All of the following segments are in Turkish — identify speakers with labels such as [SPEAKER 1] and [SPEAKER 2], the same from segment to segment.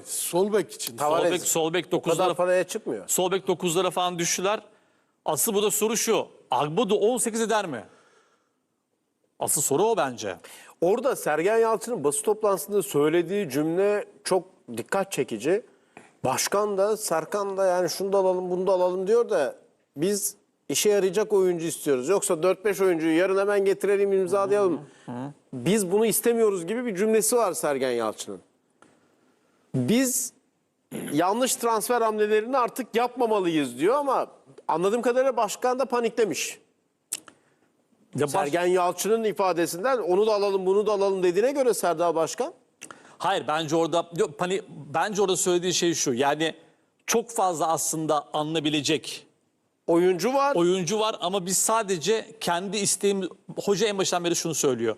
[SPEAKER 1] sol bek için.
[SPEAKER 2] Tavares.
[SPEAKER 3] Sol bek
[SPEAKER 2] O kadar
[SPEAKER 3] 9'lara
[SPEAKER 2] paraya çıkmıyor.
[SPEAKER 3] sol bek 9'lara falan düştüler. Asıl burada soru şu. Agbodu 18 eder mi? Asıl soru o bence.
[SPEAKER 2] Orada Sergen Yalçın'ın basın toplantısında söylediği cümle çok dikkat çekici. Başkan da Serkan da yani şunu da alalım bunu da alalım diyor da biz işe yarayacak oyuncu istiyoruz. Yoksa 4-5 oyuncuyu yarın hemen getirelim imzalayalım. Biz bunu istemiyoruz gibi bir cümlesi var Sergen Yalçın'ın. Biz yanlış transfer hamlelerini artık yapmamalıyız diyor ama anladığım kadarıyla başkan da paniklemiş. Sergen Yalçın'ın ifadesinden onu da alalım bunu da alalım dediğine göre Serdar Başkan.
[SPEAKER 3] Hayır bence orada bence orada söylediği şey şu. Yani çok fazla aslında alınabilecek
[SPEAKER 2] oyuncu var.
[SPEAKER 3] ama biz sadece kendi isteğimiz, hoca en baştan beri şunu söylüyor.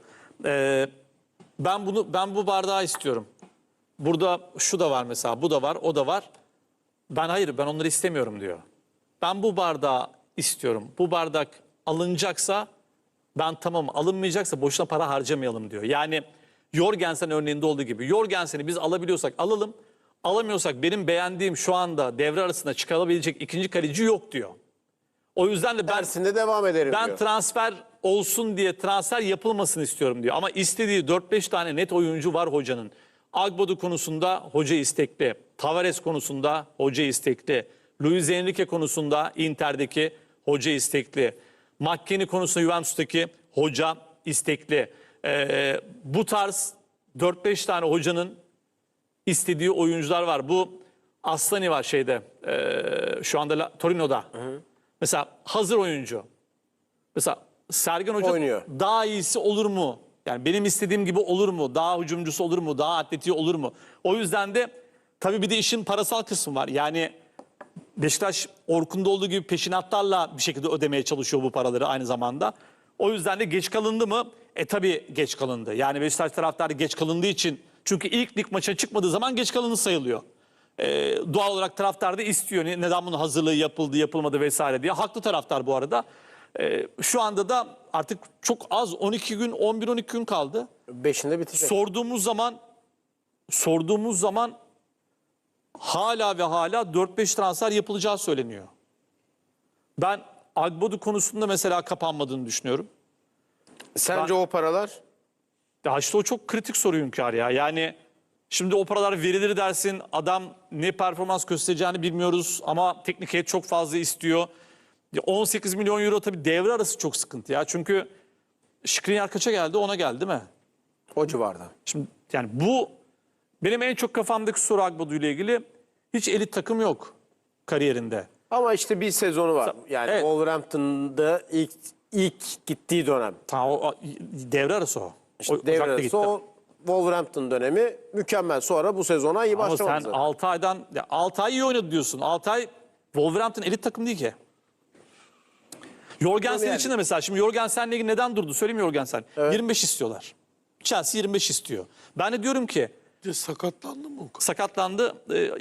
[SPEAKER 3] Ben bu bardağı istiyorum. Burada şu da var mesela, bu da var, o da var. Ben onları istemiyorum diyor. Ben bu bardağı istiyorum. Bu bardak alınacaksa ben tamam, alınmayacaksa boşuna para harcamayalım diyor. Yani Jorgensen örneğinde olduğu gibi. Jorgensen'i biz alabiliyorsak alalım. Alamıyorsak benim beğendiğim şu anda devre arasında çıkarabilecek ikinci kaleci yok diyor. O yüzden de
[SPEAKER 2] dersinde devam ederim
[SPEAKER 3] ben
[SPEAKER 2] diyor.
[SPEAKER 3] transfer olsun diye transfer yapılmasını istiyorum diyor. Ama istediği 4-5 tane net oyuncu var hocanın. Agbodu konusunda hoca istekli. Tavares konusunda hoca istekli. Luis Enrique konusunda Inter'deki hoca istekli. McKennie konusunda Juventus'taki hoca istekli. Bu tarz 4-5 tane hocanın istediği oyuncular var. Bu Aslani var şeyde şu anda Torino'da. Mesela hazır oyuncu. Mesela Sergen Hoca
[SPEAKER 2] oynuyor.
[SPEAKER 3] daha iyisi olur mu? Yani benim istediğim gibi olur mu? Daha hücumcusu olur mu? Daha atletiği olur mu? O yüzden de tabii bir de işin parasal kısmı var. Yani Beşiktaş Orkun'da olduğu gibi peşinatlarla bir şekilde ödemeye çalışıyor bu paraları aynı zamanda. O yüzden de geç kalındı mı? Tabii geç kalındı. Yani Beşiktaş taraftarı geç kalındığı için, çünkü ilk lig maça çıkmadığı zaman geç kalındı sayılıyor. Doğal olarak taraftar da istiyor. Neden bunun hazırlığı yapıldı, yapılmadı vesaire diye. Haklı taraftar bu arada. Şu anda da artık çok az 12 gün, 11-12 gün kaldı.
[SPEAKER 2] 5'inde bitecek.
[SPEAKER 3] Sorduğumuz zaman hala ve hala 4-5 transfer yapılacağı söyleniyor. Ben Agbodu konusunda mesela kapanmadığını düşünüyorum.
[SPEAKER 2] Sence o paralar?
[SPEAKER 3] Ya işte o çok kritik soru Hünkar ya. Yani şimdi o paralar verilir dersin, adam ne performans göstereceğini bilmiyoruz ama teknik heyet çok fazla istiyor. 18 milyon euro tabii devre arası çok sıkıntı ya. Çünkü Skriniar kaça geldi? Ona geldi değil mi?
[SPEAKER 2] O civarda.
[SPEAKER 3] Şimdi yani bu benim en çok kafamdaki soru Agbodu ile ilgili. Hiç elit takım yok kariyerinde.
[SPEAKER 2] Ama işte bir sezonu var. Yani
[SPEAKER 3] Evet.
[SPEAKER 2] Wolverhampton'da ilk gittiği dönem.
[SPEAKER 3] Tamam, o devre arası o.
[SPEAKER 2] İşte devre
[SPEAKER 3] Ocak'ta
[SPEAKER 2] arası
[SPEAKER 3] gitti.
[SPEAKER 2] o Wolverhampton dönemi mükemmel. Sonra bu sezona iyi
[SPEAKER 3] Ama
[SPEAKER 2] başlamadı.
[SPEAKER 3] sen
[SPEAKER 2] zaten.
[SPEAKER 3] 6 ay iyi oynadı diyorsun. 6 ay Wolverhampton elit takım değil ki. Jorgensen
[SPEAKER 2] Yani.
[SPEAKER 3] için de mesela, şimdi Jorgensen'le ilgili neden durdu söyleyeyim mi Jorgensen?
[SPEAKER 2] Evet.
[SPEAKER 3] 25 istiyorlar. Chelsea 25 istiyor. Ben de diyorum ki
[SPEAKER 1] Bir de sakatlandı mı o kadar?
[SPEAKER 3] sakatlandı,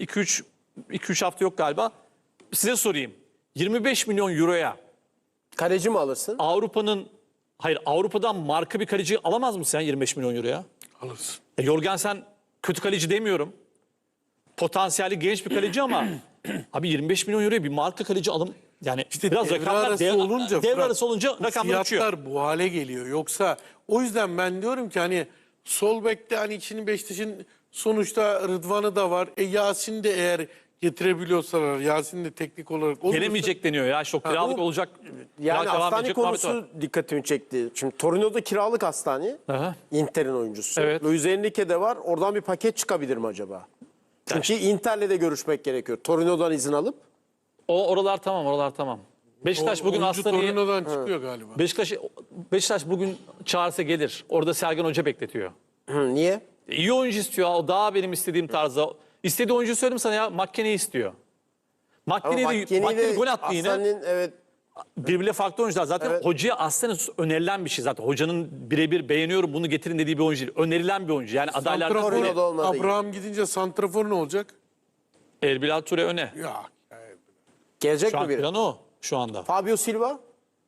[SPEAKER 3] 2-3 hafta yok galiba. Size sorayım. 25 milyon euroya
[SPEAKER 2] Kaleci mi alırsın?
[SPEAKER 3] Avrupa'dan marka bir kaleci alamaz mısın sen 25 milyon euroya?
[SPEAKER 1] Alırsın.
[SPEAKER 3] Jorgensen kötü kaleci demiyorum. Potansiyeli genç bir kaleci ama abi 25 milyon euroya bir marka kaleci alım, yani
[SPEAKER 1] İşte
[SPEAKER 3] biraz
[SPEAKER 1] devre
[SPEAKER 3] rakamlar
[SPEAKER 1] arası olunca,
[SPEAKER 3] devre
[SPEAKER 1] Fırat,
[SPEAKER 3] arası olunca rakamlar uçuyor.
[SPEAKER 1] fiyatlar bu hale geliyor. Yoksa o yüzden ben diyorum ki hani sol bekte hani içini Beşiktaş'ın sonuçta Rıdvan'ı da var. Yasin de eğer getirebiliyorsalar, Yasin de teknik olarak olursa.
[SPEAKER 3] Gelemeyecek deniyor ya. İşte o kiralık
[SPEAKER 2] bu-
[SPEAKER 3] olacak.
[SPEAKER 2] Yani
[SPEAKER 3] kiralık devam
[SPEAKER 2] Hastane
[SPEAKER 3] edecek muhabbet var.
[SPEAKER 2] konusu dikkatimi çekti. Şimdi Torino'da kiralık Hastane.
[SPEAKER 3] Aha.
[SPEAKER 2] Inter'in oyuncusu.
[SPEAKER 3] Evet.
[SPEAKER 2] Luis Enrique de var. Oradan bir paket çıkabilir mi acaba? Çünkü Inter'le de görüşmek gerekiyor. Torino'dan izin alıp.
[SPEAKER 3] Oralar tamam. Beşiktaş bugün
[SPEAKER 1] Oyuncu
[SPEAKER 3] Aslan'ı
[SPEAKER 1] Torino'dan çıkıyor galiba.
[SPEAKER 3] Beşiktaş bugün çağırsa gelir. Orada Sergen Hoca bekletiyor.
[SPEAKER 2] Niye?
[SPEAKER 3] İyi oyuncu istiyor. O daha benim istediğim tarzda. İstediği oyuncuyu söyleyeyim sana ya. McKennie'yi istiyor. McKennie gol attı yine.
[SPEAKER 2] Aslan'ın evet.
[SPEAKER 3] Birbirine farklı oyuncular. Zaten
[SPEAKER 2] Evet.
[SPEAKER 3] hocaya aslında önerilen bir şey zaten. Hocanın birebir beğeniyorum bunu getirin dediği bir oyuncu değil. Önerilen bir oyuncu. Yani adaylar
[SPEAKER 2] Torino'da olmadı.
[SPEAKER 1] Abraham gidince santrafor ne olacak?
[SPEAKER 3] Erbil Ture öne.
[SPEAKER 1] Ya
[SPEAKER 2] Gelecek
[SPEAKER 3] Şu
[SPEAKER 2] mi
[SPEAKER 3] an
[SPEAKER 2] biri?
[SPEAKER 3] plan o şu anda.
[SPEAKER 2] Fabio Silva?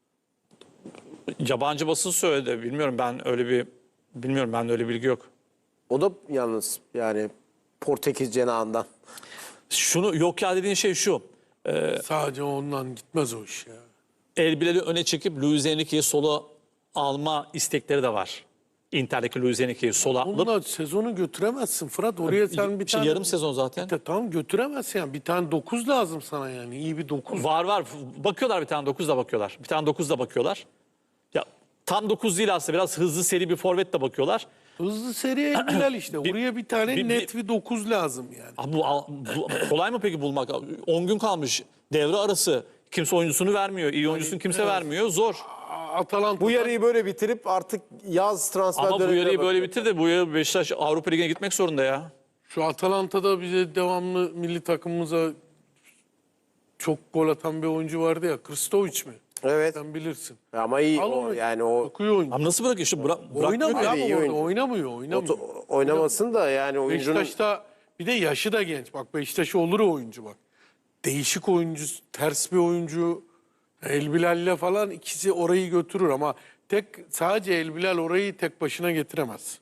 [SPEAKER 3] Yabancı basın söyledi. Bilmiyorum ben öyle bir bilgi yok.
[SPEAKER 2] O da yalnız yani Portekiz cenahından.
[SPEAKER 3] Şunu yok ya dediğin şey şu.
[SPEAKER 1] Sadece ondan gitmez o iş ya.
[SPEAKER 3] Elbileri öne çekip Luis Enrique'yi sola alma istekleri de var. Inter'deki Luis Enrique'yi sola alıp.
[SPEAKER 1] Onunla sezonu götüremezsin Fırat. Oraya sen bir tane...
[SPEAKER 3] yarım sezon zaten.
[SPEAKER 1] Tamam götüremezsin yani. Bir tane 9 lazım sana yani. İyi bir 9.
[SPEAKER 3] Var. Bakıyorlar bir tane 9 da bakıyorlar. Bir tane 9 da bakıyorlar. Ya tam 9 değil aslında, biraz hızlı seri bir forvet de bakıyorlar.
[SPEAKER 1] Hızlı seriye Elbilal işte. Oraya bir tane net bir 9 lazım yani.
[SPEAKER 3] Abi bu kolay mı peki bulmak? 10 gün kalmış devre arası. Kimse oyuncusunu vermiyor. İyi oyuncusunu kimse vermiyor. Zor.
[SPEAKER 1] Atalanta
[SPEAKER 2] Bu yarıyı böyle bitirip artık yaz transfer
[SPEAKER 3] Ama bu
[SPEAKER 2] dönemine
[SPEAKER 3] yarıyı böyle
[SPEAKER 2] bakıyor.
[SPEAKER 3] bitir de bu yarı Beşiktaş Avrupa Ligi'ne gitmek zorunda ya.
[SPEAKER 1] şu Atalanta'da bize devamlı milli takımımıza çok gol atan bir oyuncu vardı ya. Kristovic mi?
[SPEAKER 2] Evet.
[SPEAKER 1] Sen bilirsin.
[SPEAKER 2] Ama iyi
[SPEAKER 1] Al
[SPEAKER 2] o,
[SPEAKER 1] onu.
[SPEAKER 2] yani o
[SPEAKER 1] Okuyor oyuncu.
[SPEAKER 3] Abi nasıl bırakıyor? İşte
[SPEAKER 1] Oynamıyor
[SPEAKER 2] Abi,
[SPEAKER 1] abi
[SPEAKER 2] iyi
[SPEAKER 1] orada.
[SPEAKER 2] oyuncu.
[SPEAKER 1] Oynamıyor.
[SPEAKER 2] oynamasın da yani oyuncunun
[SPEAKER 1] Beşiktaş'ta bir de yaşı da genç. Bak Beşiktaş'a olur o oyuncu bak. Değişik oyuncu, ters bir oyuncu. Elbilal'le falan ikisi orayı götürür ama sadece Elbilal orayı tek başına getiremez.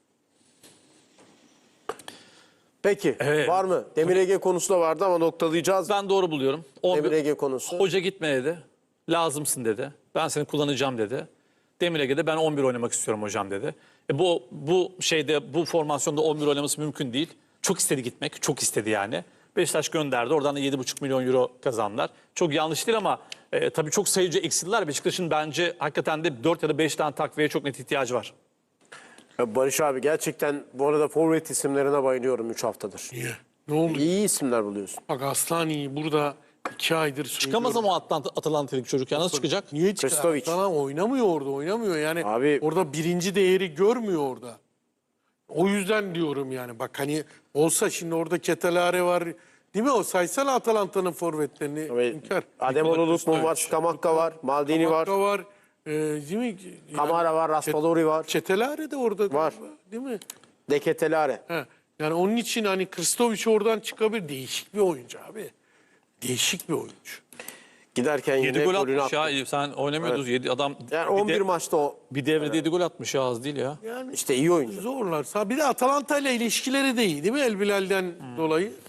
[SPEAKER 2] Peki
[SPEAKER 3] Evet.
[SPEAKER 2] var mı? Demir Ege konusu da vardı ama noktalayacağız.
[SPEAKER 3] Ben doğru buluyorum.
[SPEAKER 2] Demir Ege konusu.
[SPEAKER 3] Hoca gitme dedi. Lazımsın dedi. Ben seni kullanacağım dedi. Demir Ege'de ben 11 oynamak istiyorum hocam dedi. Bu formasyonda 11 oynaması mümkün değil. Çok istedi gitmek. Çok istedi yani. Beşiktaş gönderdi. Oradan da 7,5 milyon euro kazandılar. Çok yanlış değil ama tabii çok sayıcı eksildiler. Beşiktaş'ın bence hakikaten de 4 ya da 5 tane takviye çok net ihtiyacı var.
[SPEAKER 2] Barış abi gerçekten bu arada forvet isimlerine bayılıyorum 3 haftadır.
[SPEAKER 1] Niye? Ne oldu?
[SPEAKER 2] İyi isimler buluyorsun.
[SPEAKER 1] Bak Aslani'yi burada 2 aydır
[SPEAKER 3] Çıkamaz ama Atalanta'daki çocuk ya. Nasıl çıkacak?
[SPEAKER 1] Niye çıkar?
[SPEAKER 2] Kristovic.
[SPEAKER 1] Aslan oynamıyor orada, oynamıyor. Yani
[SPEAKER 2] Abi-
[SPEAKER 1] orada birinci değeri görmüyor orada. O yüzden diyorum yani. Bak hani olsa şimdi orada Ketelare var. Değil mi o? Saysana Atalanta'nın forvetlerini. Hünkar.
[SPEAKER 2] Ademoğlu var, Scamacca var, Maldini var,
[SPEAKER 1] Scamacca var. Değil mi? Yani
[SPEAKER 2] Kamara var, Raspadori var,
[SPEAKER 1] Ketelare de orada.
[SPEAKER 2] Var.
[SPEAKER 1] Değil mi?
[SPEAKER 2] Deketelare.
[SPEAKER 1] He. Yani onun için hani Kristovic oradan çıkabilir. Değişik bir oyuncu abi. Değişik bir oyuncu.
[SPEAKER 2] Giderken
[SPEAKER 3] 7
[SPEAKER 2] yine
[SPEAKER 3] gol
[SPEAKER 2] golünü
[SPEAKER 3] atmış
[SPEAKER 2] attı.
[SPEAKER 3] ya. Sen oynamıyordun. 7 adam
[SPEAKER 2] Yani 11 maçta o
[SPEAKER 3] bir devrede 7 gol atmış ya, az değil ya.
[SPEAKER 1] Yani
[SPEAKER 2] işte iyi oyuncu.
[SPEAKER 1] zorlar. Bir de Atalanta ile ilişkileri de iyi değil mi? El Bilal'den dolayı.